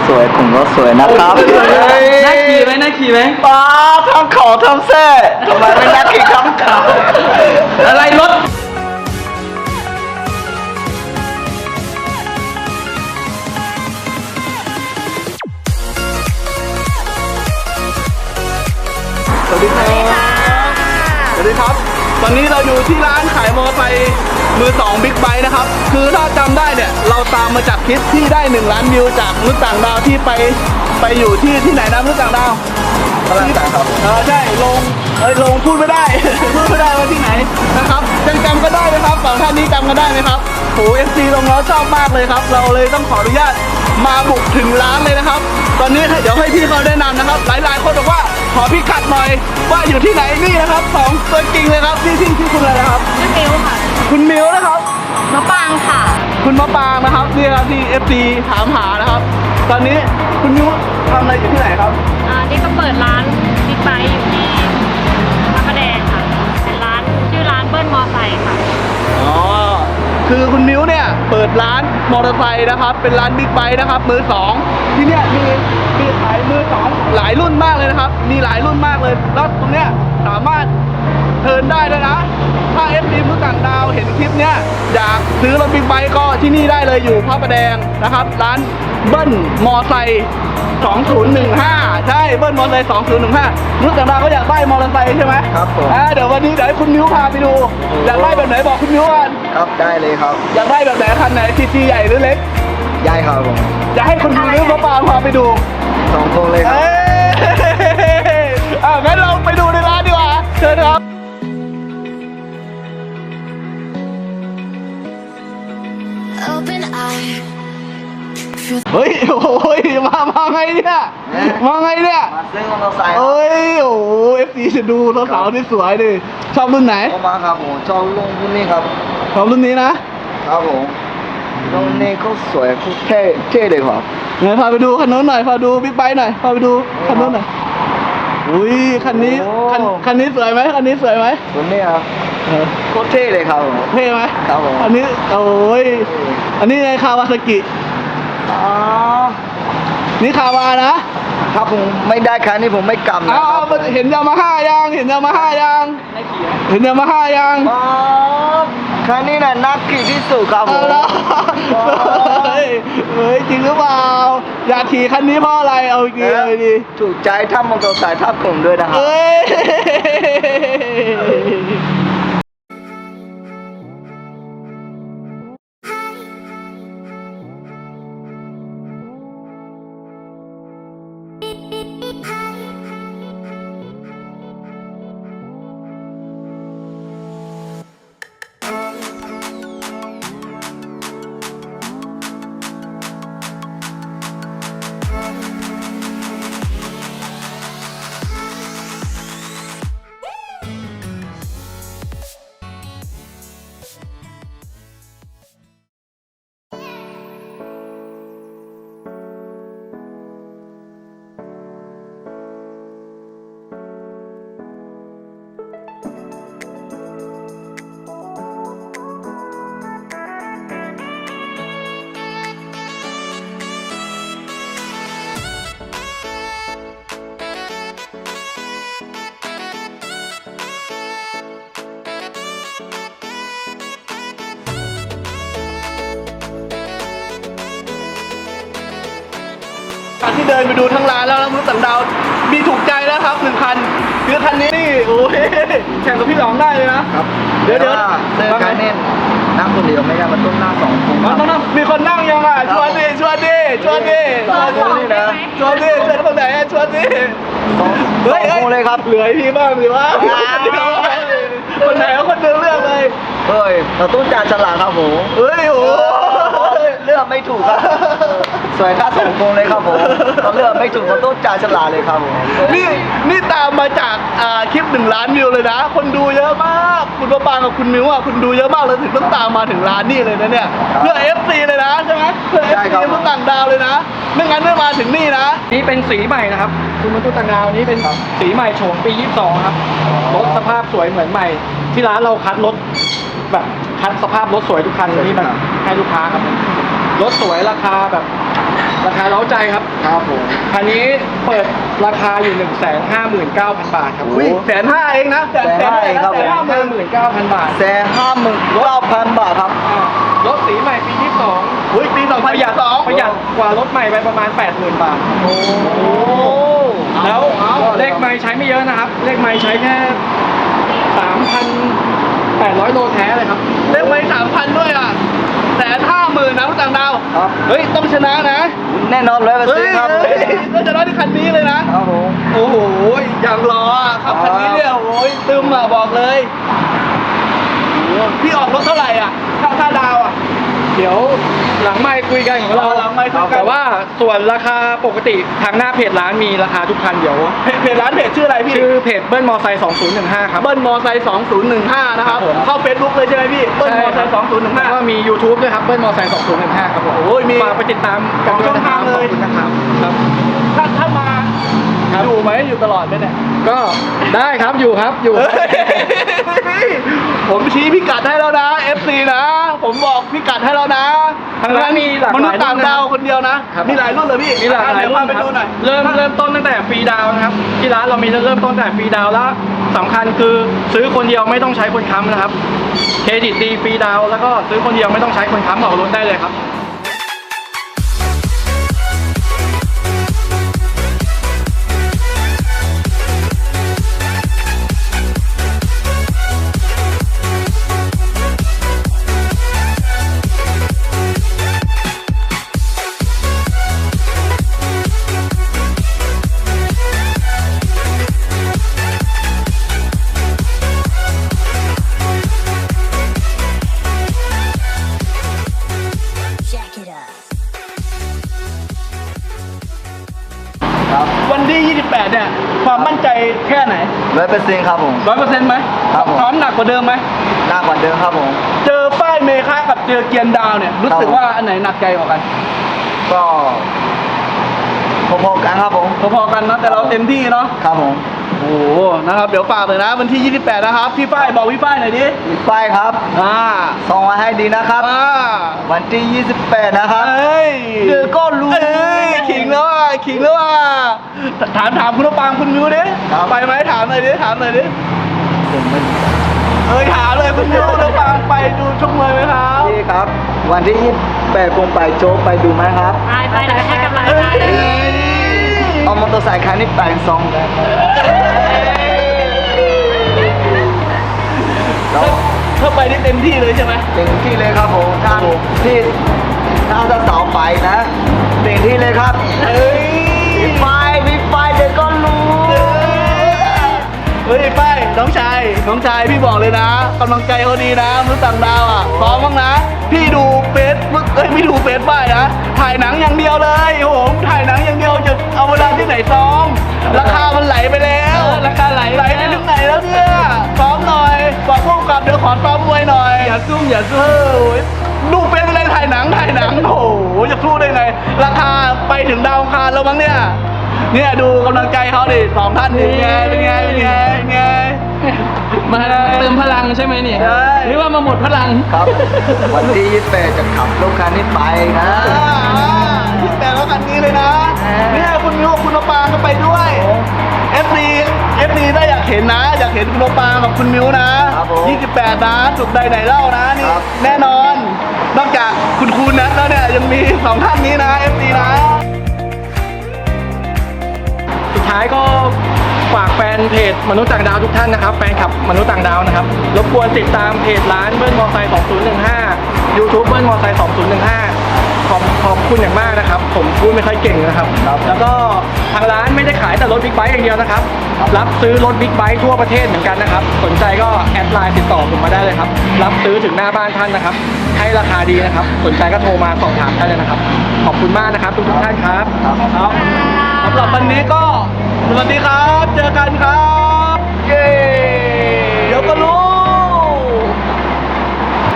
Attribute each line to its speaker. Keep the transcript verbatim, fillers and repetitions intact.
Speaker 1: สวยผมก็สวยนะครับ
Speaker 2: น่าขี่ไหมน่าขี่ไหม
Speaker 1: ป้าทำของทำเส้ทำไมไม่น่าขี่ข้ามขา
Speaker 2: อะไรรถสวัสดีครับสวัสดีครับตอนนี้เราอยู่ที่ร้านขายมอเตอร์ไซค์มือสองบิ๊กไบค์นะครับคือถ้าจำได้เนี่ยเราตามมาจากคลิปที่ได้หนึ่งล้านวิวจากมนุษย์ต่างดาวที่ไปไปอยู่ที่ที่ไหนนะมนุษย์ต่างดาว
Speaker 1: พลังต่างครับ
Speaker 2: เออใช่ลงเอ้ยลงพูดไม่ได้ พูดไม่ได้ว่าที่ไหนนะครับยังจำกันได้ไหมครับสองท่านนี้จำกันได้ไหมครับโหเอฟซีลงแล้วชอบมากเลยครับเราเลยต้องขออนุญาตมาบุกถึงร้านเลยนะครับตอนนี้เดี๋ยวให้พี่เขาแนะนำนะครับหลายๆคนบอกว่าขอพี่กัดหน่อยว่าอยู่ที่ไหนนี่นะครับสองตัวจริงเลยครับที่ที่ที่คุณอะไรนะครับ
Speaker 3: ชื่อมิวค่ะ
Speaker 2: คุณมิวนะครับ
Speaker 3: มะปางค่ะ
Speaker 2: คุณมะปางนะครับนี่ครับที่ เอฟ ซี ถามหานะครับตอนนี้คุณมิวทำอะไรอยู่ที่ไหนครับ
Speaker 3: อ่า นี่ก็เปิดร้านบิ๊กไบค์อยู่ที่พระประแดงค่ะ เป็นร้านชื่อร้านเบิ้ลมอไซค์ค่ะ
Speaker 2: อ๋อ คือคุณมิ้วเนี่ยเปิดร้านมอเตอร์ไซค์นะครับ เป็นร้านบิ๊กไบค์นะครับมือสองที่เนี่ยมีมีขายมือสองหลายรุ่นมากเลยนะครับ มีหลายรุ่นมากเลย แล้วตรงเนี้ยสามารถเทิร์นได้ด้วยนะ ถ้าเอฟซีมือต่างดาวเห็นคลิปเนี้ยอยากซื้อรถบิ๊กไบค์ก็ที่นี่ได้เลยอยู่พระประแดงนะครับ ร้านเบิ้ลมอไซค์สองศูนย์หนึ่งห้าใช่เบิ้ลมอเตอร์ไซค์สองศูนย์หนึ่งห้ามือต่างดาวก็อยากได้มอเตอร์ไซค์ใช่ไหม
Speaker 1: ครับผม
Speaker 2: อ่าเดี๋ยววันนี้เดี๋ยวให้คุณมิ้วพาไปดู อยากได้แบบไหนบอกคุณมิ้วกัน
Speaker 1: ครับได้เลยครับ
Speaker 2: อยากได้แบบไหนคันไหนทีจีใหญ่หรือเล็ก
Speaker 1: ย้ายครับผม
Speaker 2: อยากให้คุณมิ้วมาปางพาไปดู
Speaker 1: สองคนเลยครับ
Speaker 2: เอ้ยอ่างั้นเราไปดูในร้านดีกว่าเชิญครับ
Speaker 4: Open eye.
Speaker 2: เฮ้ยโอ้ยมามาไงเนี่ยมาไงเนี่ย
Speaker 1: มาซื้อมอเตอร์ไซค์
Speaker 2: เอ้ยโอ้โหเอฟซีจะดูสาวๆที่สวยดิชอบรุ่นไหน
Speaker 1: เข้ามาครับผมชอบลงรุ่นนี้ครับ
Speaker 2: ชอบรุ่นนี้นะครับ
Speaker 1: ผมลงนี้เขาสวยเขาเท่เท่เลยครับ
Speaker 2: ไหนพาไปดูคันโน้นหน่อยพาดูบิ๊กไบค์หน่อยพาไปดูคันโน้นหน่อยอุ้ยคันนี้คันคันนี้สวยไหมคันนี้สวยไหม
Speaker 1: รุ่นนี้ครับ
Speaker 2: เออ
Speaker 1: โคตรเท่เลยครับผม
Speaker 2: เท่ไหม
Speaker 1: ครับผม
Speaker 2: อันนี้โอ้ยอันนี้ในคาวาซากิ
Speaker 1: อ๋อ
Speaker 2: นี่คาวานะครับ
Speaker 1: ผมไม่ได้คันนี้ผมไม่กำนะ
Speaker 2: อ้า
Speaker 1: ครั
Speaker 2: ว
Speaker 1: บ
Speaker 2: เห็นยามาฮ่ายังเห็นยามาฮ่ายังเห็นยามาฮ่ายัง
Speaker 1: อ๋อคันนี้น่ะนักขี่ที่สุดครับผ
Speaker 2: เอา
Speaker 1: ม
Speaker 2: ละเฮ้ยเฮ้ยจริงหรือเปล่าอยากขี่คันนี้เพราะอะไรเอาอีกทีเอาอีกที
Speaker 1: ถูกใจถ้ามอเตอร์ไซค์ทับผมด้วยนะครับ
Speaker 2: เอ้ย การที่เดินไปดูทั้งร้านแล้วแล้วมนุษย์ต่างดาวมีถูกใจแล้วครับหนึ่งคันคือคันนี้นี่โอ้ยแข่งกับพี่หลองได้เลยนะครับ เดี๋ยวเดี๋ยว
Speaker 1: เสื้อการเน้นนั่งคนเดียวไม่ได้มันต้องนั่งสองคน
Speaker 2: มันต้องนั่งมีคนนั่งยังอ่ะชวนดิชวนดิชวนดิชวนดิ
Speaker 1: นี่นะ
Speaker 2: ชวนดิชวนคนไหนอ่ะชวนดิ
Speaker 1: สองสองคนเลยครับ
Speaker 2: เหลือพี่บ้างสิวะคนไหนเอาคนเดินเลือกเลย
Speaker 1: เฮ้ยเราต้องจ่ายฉลากครับผม
Speaker 2: เฮ้ยโอ้
Speaker 1: เลือกไม่ถูกครับสวยถ้าสองคนเลยครับผมเราเลือกไม่ถูกเราต้องจ่ายฉลากเลยครับผม
Speaker 2: นี่นี่ตามมาจากอ่าคลิปหนึ่งล้านวิวเลยนะ คนดูเยอะมากคุณประปางกับคุณมิวอ่ะคุณดูเยอะมากเลยถึงต้องตามมาถึงร้านนี่เลยนะเนี่ยเพื่อ เอฟ ซี เลยนะใช่ไหมเพื่อ เอฟ ซี ผู้ต่างดาวเลยนะไม่งั้นไม่มาถึงนี่นะ
Speaker 5: นี่เป็นสีใหม่นะครับคุณมนุษย์ต่างดาวนี้เป็นสีใหม่โฉมปียี่สิบสองครับรถสภาพสวยเหมือนใหม่ ที่ร้านเราคัดรถแบบคัดสภาพรถสวยทุกคันที่แบบให้ลูกค้าครับรถสวยราคาแบบราคาเล้าใจครับ
Speaker 1: ครับผม
Speaker 5: คันนี้เปิดราคาอยู่ หนึ่งแสนห้าหมื่นเก้าพัน บาทครับ
Speaker 2: อุ้ยแสนห้าเองนะ
Speaker 1: แสนห้าเองครับ
Speaker 2: แสนห้าหมื่น
Speaker 5: หมื่นเก้าพัน บาท
Speaker 1: แสนห้าหมื่นเก้าพันบาทครับ
Speaker 5: อ่ารถสีใหม่ปีที่สอง
Speaker 2: อุ้ยปีสอง
Speaker 5: ป
Speaker 2: พัน
Speaker 5: ระหยัด
Speaker 2: สอง
Speaker 5: ประหยัดกว่ารถใหม่ไปประมาณ แปดหมื่น บาท
Speaker 2: โอ้
Speaker 5: แล้วเลขไม้ใช้ไม่เยอะนะครับ เลขไม้ใช้แค่ สามพันแปดร้อย โลแท้เลยครับ
Speaker 2: เลขไม่สามพันด้วยอ่ะแสนห้าหมื่นนะรถต่างดาว
Speaker 1: ครับ
Speaker 2: เฮ้ยต้องชนะนะ
Speaker 1: แน่นอนร้อยเปอร์
Speaker 2: เฮ้
Speaker 1: เซ็น
Speaker 2: ย
Speaker 1: ต์ครับ
Speaker 2: เฮ้ยต้องชนะที่คันนี้เลยนะ
Speaker 1: ครับผม
Speaker 2: โอ้โหอย่างรออ่ะครับคันนี้เนี่ยโอ้ยตึมอ่ะบอกเลยโอ้โหพี่ออกรถเท่าไหร่อ่ะค่าค่าดาวอ่ะ
Speaker 5: เดี๋ยวหลังไมค์คุยกันของเรา
Speaker 2: หลังไมค์คุยกัน
Speaker 5: แต่ว่าส่วนราคาปกติทางหน้าเพจร้านมีราคาทุกคันเดี๋ยว
Speaker 2: เพจเพจร้านเพจชื่ออะไรพี่
Speaker 5: ชื่อเพจเบิ้ลมอไซค์สองศูนย์หนึ่งห้าครับ
Speaker 2: เบิ้ลมอไซค์สองศูนย์หนึ่งห้านะครับ
Speaker 5: ครับผม
Speaker 2: เข้าเฟซบุ๊กเลยใช่ไหมพี่เบิ้ลมอไซค์สองศูนย์หนึ่งห้า
Speaker 5: แล้วก็มี YouTube ด้วยครับเบิ้ลมอไซค์สองศูนย์หนึ่งห้าครับผม
Speaker 2: โอ้ยมี
Speaker 5: ฝากไปติดตาม
Speaker 2: สองช่องทางเลย
Speaker 5: ขอบคุณนะครับครับ
Speaker 2: ถ้าถ้ามา
Speaker 5: ครับ
Speaker 2: อยู่ไหมอยู่ตลอดไหมเนี่ย
Speaker 5: ก็ได้ครับอยู่ครับอยู่
Speaker 2: เฮ้ยผมชี้พิกัดให้แล้วนะ เอฟ ซี นะ ผมบอกพิกัดให้แล้วนะ
Speaker 5: ทางร้านมีหลาก
Speaker 2: ม
Speaker 5: ห
Speaker 2: นุ
Speaker 5: ลา
Speaker 2: ษ
Speaker 5: ย
Speaker 2: ย์ต่างดาวคนเดียวนะ
Speaker 5: ครับ
Speaker 2: มีหลายรุ่นเลยพี่
Speaker 5: มีหลากหลาย
Speaker 2: เดี๋ยว
Speaker 5: รุ่
Speaker 2: พาน ไป
Speaker 5: ครับ
Speaker 2: ดูหน่อย
Speaker 5: เริ่มเริ่มต้นตั้งแต่ฟรีดาวน์นะครับที่ร้านเรามีเริ่มต้นตั้งแต่ฟรีดาวน์แล้วสำคัญคือซื้อคนเดียวไม่ต้องใช้คนค้ำนะครับเครดิตดีฟรีดาวน์แล้วก็ซื้อคนเดียวไม่ต้องใช้คนค้ำออกรถได้เลยครับ
Speaker 4: Jack it up.
Speaker 1: ครับ
Speaker 2: วันที่ยี่สิบแปดเนี่ยความมั่นใจแค่ไหน
Speaker 1: ร้อยเปอร์เซ็นต์ครับผม
Speaker 2: ร้อยเปอร์เซ็นต์ไหม
Speaker 1: ครับผม
Speaker 2: พร้อมหนักกว่าเดิมไหม
Speaker 1: หน้ากว่าเดิมครับผม
Speaker 2: เจอป้ายเมฆากับเจอเกียร์ดาวเนี่ยรู้สึกว่าอันไหนหนักใจกว่ากัน
Speaker 1: ก็พอๆกันครับผม
Speaker 2: พอๆกันนะแต่เราเต็มที่เนาะ
Speaker 1: ครับผม
Speaker 2: โอ้โหนะครับเดี๋ยวฝากเลยนะวันที่ยี่สิบแปดนะครับพี่ฝ้ายบอกพี่ฝ้ายหน่อยดิ
Speaker 1: มีป้ายครับ
Speaker 2: อ่า
Speaker 1: ส่งมาให้ดีนะครับ
Speaker 2: อ่า
Speaker 1: วันที่ยี่สิบแปดนะครับ
Speaker 2: เอ้ย
Speaker 1: เดี๋ยวก็รู้
Speaker 2: เอ้ยขิงแล้วอ่ะขิงแล้วอ่ะถามถามคุณปางคุณมิวดิ
Speaker 1: ครับ
Speaker 2: ไปไหมถามหน่อยดิถามหน่อยดิ
Speaker 1: ผมไม่
Speaker 2: เอ้ยถามเลยคุณมิวคุณปางไปดูชกมวยไหมครับ
Speaker 1: พี่ครับ วันที่ยี่สิบแปดผมไปโจ๊กไปดูไหมครับ
Speaker 3: ไปไปเดี๋ยวไปให้กำลัง
Speaker 2: เอ้
Speaker 3: ใจ
Speaker 2: ย
Speaker 1: เอามอเตอร์ไซค์คันนี้แต่งซองแล้ว
Speaker 2: ถ้าไปได้เต็มที่เลยใช่ไหม
Speaker 1: เต็มที่เลยครับผมท่าน
Speaker 2: โอ้โห
Speaker 1: ที่ถ้าจะสาวไปนะเต็มที่เลยครับ
Speaker 2: เอ้ย
Speaker 1: มีไฟมีไฟเดี๋ยวก็รู้
Speaker 2: เฮ้ยป้ายน้องชายน้องชายพี่บอกเลยนะกำลังใจเขาดีนะมนุษย์ต่างดาวอ่ะซ้อมบ้างนะ พี่ดูเฟซบุ๊กเอ้ยไม่ดูเฟซป้ายนะถ่ายหนังอย่างเดียวเลยโอ้โหถ่ายหนังอย่างเดียวจะเอาเวลาที่ไหนซ้อมราคามันไหลไปแล้วราคาไหลไหลไปถึงไหนแล้วเนี่ยซ้อมหน่อยบอกพวกกับเดี๋ยวขอซ้อมมวยหน่อยอย่าซุ่มอย่าเซ่อดูเป็นอะไรถ่ายหนังถ่ายหนังโอ้โหจะสู้ได้ไงราคาไปถึงดาวอังคารแล้วมั้งเนี่ยเนี่ยดูกำลังใจเขาดิสองท่านนี่ไงเป็นไงเป็นไงเป็นไง
Speaker 5: มาเติมพลังใช่ไหมเนี่ย
Speaker 2: ใช่
Speaker 5: หรือว่ามาหมดพลัง
Speaker 1: ครับ วันที่ยี่สิบแปดจะขับรถคันนี้ไปนะ
Speaker 2: ที่แต่ละคันนี้เลยนะ เนี่ยคุณมิวคุณมะปางก็ไปด้วย เอฟ ซี เอฟ ซี ได้อยากเห็นนะ อยากเห็นคุณมะปางกับคุณมิวนะครับ
Speaker 1: ผม
Speaker 2: ยี่สิบแปดนะจุดใดไหนเล่านะนี่
Speaker 1: ครับ
Speaker 2: แน่นอน นอกจากคุณครูนัทแล้วเนี่ยยังมีสองท่านนี้นะ เอฟ ซี นะ
Speaker 5: สุดท้ายก็ฝากแฟนเพจมนุษย์ต่างดาวทุกท่านนะครับแฟนคลับมนุษย์ต่างดาวนะครับรบกวนติดตามเพจร้านเบิ้ลมอไซค์สองศูนย์หนึ่งห้า YouTube เบิ้ลมอไซค์สองศูนย์หนึ่งห้าขอบขอบคุณอย่างมากนะครับ ผมพูดไม่ค่อยเก่งนะครับ
Speaker 1: ครับ
Speaker 5: แล้วก็ทางร้านไม่ได้ขายแต่รถบิ๊กไบค์อย่างเดียวนะครับ รับซื้อรถบิ๊กไบค์ทั่วประเทศเหมือนกันนะครับ สนใจก็แอดไลน์ติดต่อผมมาได้เลยครับ รับซื้อถึงหน้าบ้านท่านนะครับ ให้ราคาดีนะครับ สนใจก็โทรมาสอบถามได้เลยนะครับ ขอบคุณมากนะครับทุกๆท่านครับ
Speaker 1: ครับ
Speaker 2: ครับสำหรับวันนี้ก็สวัสดีครับ เจอกันครับ เย้